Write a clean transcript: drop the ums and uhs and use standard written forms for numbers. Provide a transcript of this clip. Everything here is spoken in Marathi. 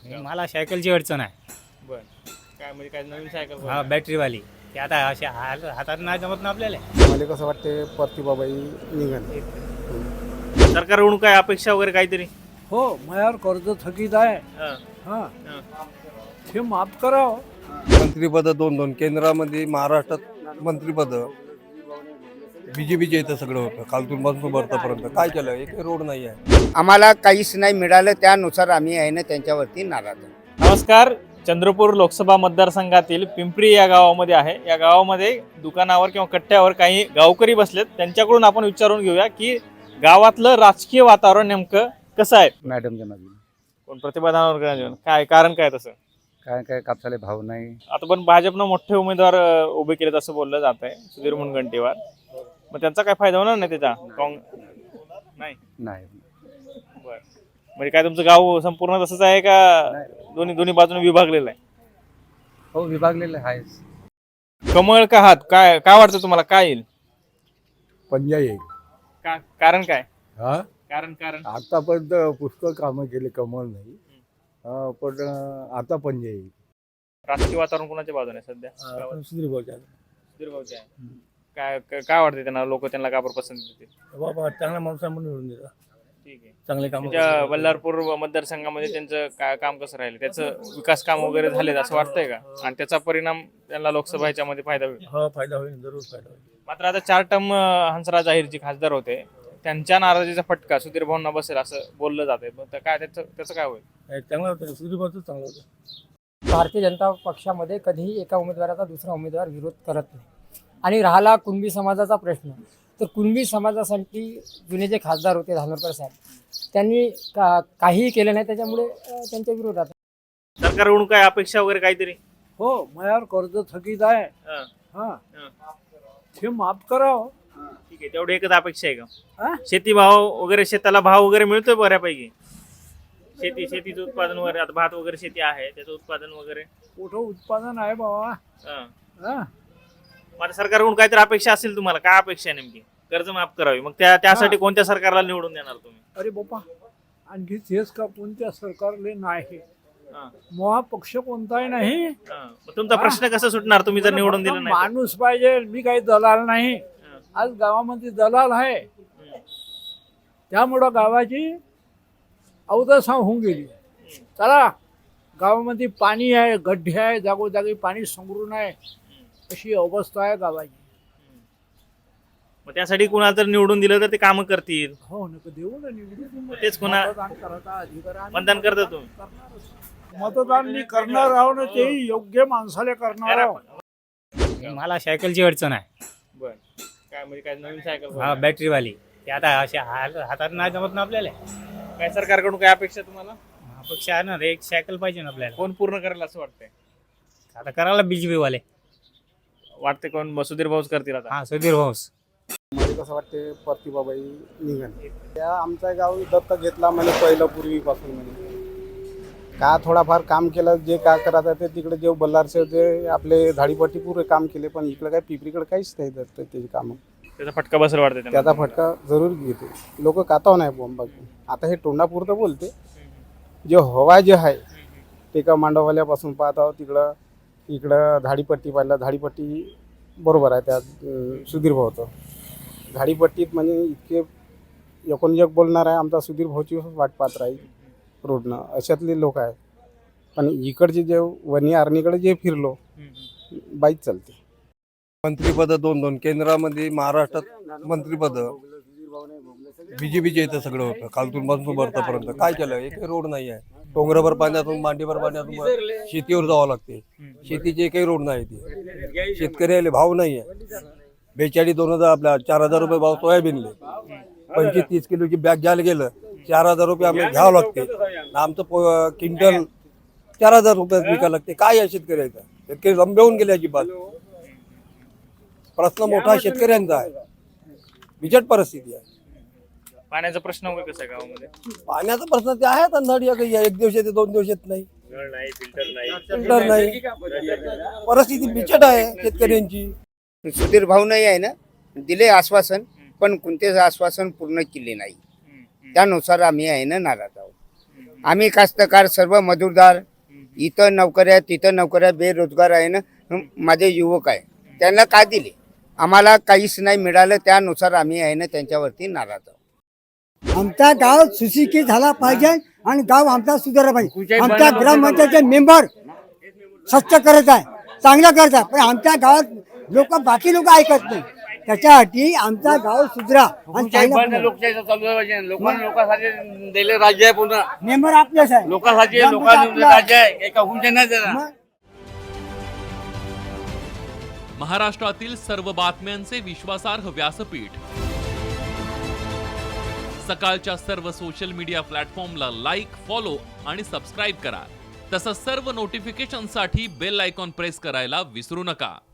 मला सायकलची अडचण आहे. बर काय म्हणजे काय नवीन सायकल हा बॅटरीवाली ते आता असे हातात नाही जमत ना आपल्याला. मला कसं वाटते प्रतिभाबाई निघन. सरकारकडून काय अपेक्षा वगैरे काहीतरी? हो, माझ्यावर कर्ज थकीत आहे. हा, हां, हा. ते माफ करावं. मंत्रीपद 2-2 केंद्रामध्ये महाराष्ट्रात मंत्रीपद बीजेपीचे इथं सगळं होतं खालतून पासून वरपर्यंत. काय केलं? एक रोड नाही आहे. आम्हाला काहीच नाही मिळालं, त्यानुसार आम्ही आहे ना त्यांच्यावरती नाराज आहोत. नमस्कार. चंद्रपूर लोकसभा मतदारसंघातील पिंपरी या गावामध्ये आहे. या गावामध्ये दुकानावर किंवा कट्ट्यावर काही गावकरी बसलेत. त्यांच्याकडून आपण विचारून घेऊया की गावातलं राजकीय वातावरण नेमकं कसं आहे. मॅडमच्या मागे कोण प्रतिभा दानोरकर, काय कारण काय तसं? काय कापसाले भाव नाही. आता पण भाजपनं मोठे उमेदवार उभे केलेत असं बोललं जात आहे, सुधीर मुनगंटीवार. मग त्यांचा काय फायदा होणार नाही त्याचा? नाही. नाही बरं, म्हणजे काय तुमचं गाव संपूर्ण तसंच आहे का दोन्ही बाजूने विभागलेलं आहे? हो, विभागलेलं आहे. कमळ का हात, काय काय वाटतं तुम्हाला, काय येईल? पंजा येईल. कारण काय? हा, कारण आतापर्यंत पुष्कळ कामं केले, कमल नाही. पण आता पंजा येईल. राजकीय वातावरण कोणाच्या बाजूने आहे सध्या? सुधीर भाऊच्या. सुधीर भाऊचे आहे. काय वाटते त्यांना, लोक त्यांना का बरं पसंत देतील? बाबा चांगला माणूस आहे म्हणून निवडून दिला. ठीक आहे. चांगले काम. त्यांच्या बल्लारपूर मतदारसंघामध्ये त्यांचं काम कसं राहिलं, त्याचं विकास काम वगैरे झाले असं वाटतंय का? आणि त्याचा परिणाम त्यांना लोकसभा ह्याच्यामध्ये फायदा होईल? हो, फायदा होईल, जरूर फायदा होईल. मात्र आता 4 टर्म हंसराज अहिर जे खासदार होते, त्यांच्या नाराजीचा फटका सुधीर भाऊंना बसेल असं बोललं जाते. काय त्याचं काय होईल? चांगलं होतं, सुधीर भाऊचं चांगलं होतं. भारतीय जनता पक्षामध्ये कधीही एका उमेदवाराचा दुसरा उमेदवार विरोध करत नाही. आणि राहिला कुणबी समाजाचा प्रश्न, तर कुणबी समाजासाठी जुने जे खासदार होते धानोरकर साहेब, त्यांनी काहीही केलं नाही, त्याच्यामुळे त्यांच्या विरोधात. सरकारकडून काय अपेक्षा वगैरे काहीतरी? हो, माझ्यावर कर्ज थकीत आहे. हा, हां, हा. ते माफ करावं. ठीक आहे, तेवढी एकच अपेक्षा आहे का? हा? शेती भाव वगैरे, शेताला भाव वगैरे मिळतोय बऱ्यापैकी? शेतीचं उत्पादन वगैरे, आता भात वगैरे शेती आहे, त्याचं उत्पादन वगैरे कुठं उत्पादन आहे बाबा? हा. हां, आता सरकारकडून काहीतरी अपेक्षा असेल तुम्हाला, काय अपेक्षा आहे नेमकी? कर्ज माफ करावी, मग त्यासाठी कोणत्या सरकारला निवडून देणार तुम्ही? अरे बाबा, आणखी तेच का कोणत्या सरकारले नाही? हा. महापक्ष कोणताही नाही. हा. मग तुमचा प्रश्न कसा सुटणार तुम्ही जर निवडून दिलं नाही तर? माणूस पाहिजे. मी काही दलाल नाही. हा. आज गावामध्ये दलाल आहे, त्यामुळं गावाची अवदशा होऊन गेली. चला, गावामध्ये पाणी आहे, गड्डे आहे, जागोजागी पाणी संग्रहून आहे, अशी अवस्था आहे गावाची. मग त्यासाठी कुणाला तर निवडून दिलं तर ते कामं करतील. हो, नका देऊ ना निवडून. तेच कोणा मतदान करायचा अधिकार आहे. मतदान करता तुम्ही? मतदान मी करणार आहो ना, तेही योग्य माणसाला करणार आहो. मला सायकलची अडचण आहे. बर काय म्हणजे काय नवीन सायकल? हा बॅटरीवाली ते आता असे हातात नाही जमत ना आपल्याला. काय सरकारकडून काय अपेक्षा तुम्हाला? अपेक्षा आहे ना, एक सायकल पाहिजे ना आपल्याला. कोण पूर्ण करेल असं वाटतंय? आता करायला बीजेपी वाले. वाटते कोण? सुधीर भाऊच करतील आता? हा, सुधीर भाऊस. मला कसं वाटते प्रतिभाबाई निघन. त्या आमचा गाव दत्तक घेतला म्हणे पहिलं पूर्वीपासून. म्हणे का थोडाफार काम केलं, जे काय करायचं ते तिकडे जे बल्लारचे जे आपले झाडीपट्टी पुरे काम केले, पण इकडे काय पिपरीकडे काहीच नाही दत्त त्याची कामं. त्याचा फटका बसेल वाटते त्यांना? त्याचा फटका जरूर घेते. लोक काताव नाही बॉम्ब. आता हे तोंडापुरतं बोलते, जे हवा जे आहे ते का मांडववाल्यापासून पाहत आहोत इकडं झाडीपट्टी पाहिलं. झाडीपट्टी बरोबर आहे त्या सुधीर भाऊचं. झाडीपट्टीत म्हणजे इतके एकूण जग बोलणार आहे, आमचा सुधीर भाऊची वाट पाहत राहील रोडनं, अशातले लोक आहेत. पण इकडचे जे वणी आर्नीकडे जे फिरलो, बाईक चालते. मंत्रीपद 2-2 केंद्रामध्ये महाराष्ट्रात मंत्रीपद बीजेपीचे इथं सगळं होतं खालतून पासून वरपर्यंत. काय केलं? एक रोड नाही आहे. डोंगराभर पाण्यातून मांडीभर पाण्यातून शेतीवर जावं लागते. शेतीचे काही रोड नाही. ते शेतकऱ्याला भाव नाही आहे. 42-2000 आपल्या 4000 रुपये भाव सोयाबीनले. 25-30 किलोची बॅग घ्यायला गेलं 4000 रुपये आम्हाला घ्यावं लागते. आमचं क्विंटल 4000 रुपयात विकायला लागते. काय आहे शेतकऱ्याचा? शेतकरी रंबेहून गेले अजिबात. प्रश्न मोठा शेतकऱ्यांचा आहे. बिकट परिस्थिती आहे. पाण्याचा प्रश्न वगैरे कसा आहे गावामध्ये? पाण्याचा प्रश्न ते आहे. अंधाडी एक दिवस येते, 2 दिवस येत नाही. फिल्टर नाही. परिस्थिती बिकट आहे शेतकऱ्यांची. सुधीर भाऊ नाही आहे ना, दिले आश्वासन, पण कोणतेच आश्वासन पूर्ण केले नाही. त्यानुसार आम्ही आहे ना नाराज आहोत. आम्ही कास्तकार सर्व मजूरदार इथं नोकऱ्या तिथं नोकऱ्या बेरोजगार आहे ना. माझे युवक आहे त्यांना काय दिले आम्हाला काहीच नाही मिळालं त्यानुसार आम्ही आहे ना त्यांच्यावरती नाराज आहोत. आमचा गाव सुशिक्षित झाला पाहिजे आणि गाव आमचा सुधारला पाहिजे. आमच्या ग्रामपंचायतचे मेंबर स्वच्छ करत आहे, चांगलं करत आहे, पण आमच्या गावात लोक बाकी लोक ऐकत नाही. त्याच्यासाठी आमचा गाव सुधरा आणि राज्य आहे पुन्हा मेंबर आपलेच आहे. लोकांसाठी ग्रामपंचायत राज्य आहे, एका हुंडे नाही देणार. मग महाराष्ट्रातील सर्व बातम्यांचे विश्वासार्ह व्यासपीठ, सकाळच्या सर्व सोशल मीडिया प्लॅटफॉर्मला लाईक, फॉलो आणि सबस्क्राईब करा. तसंच सर्व नोटिफिकेशनसाठी बेल आयकॉन प्रेस करायला विसरू नका.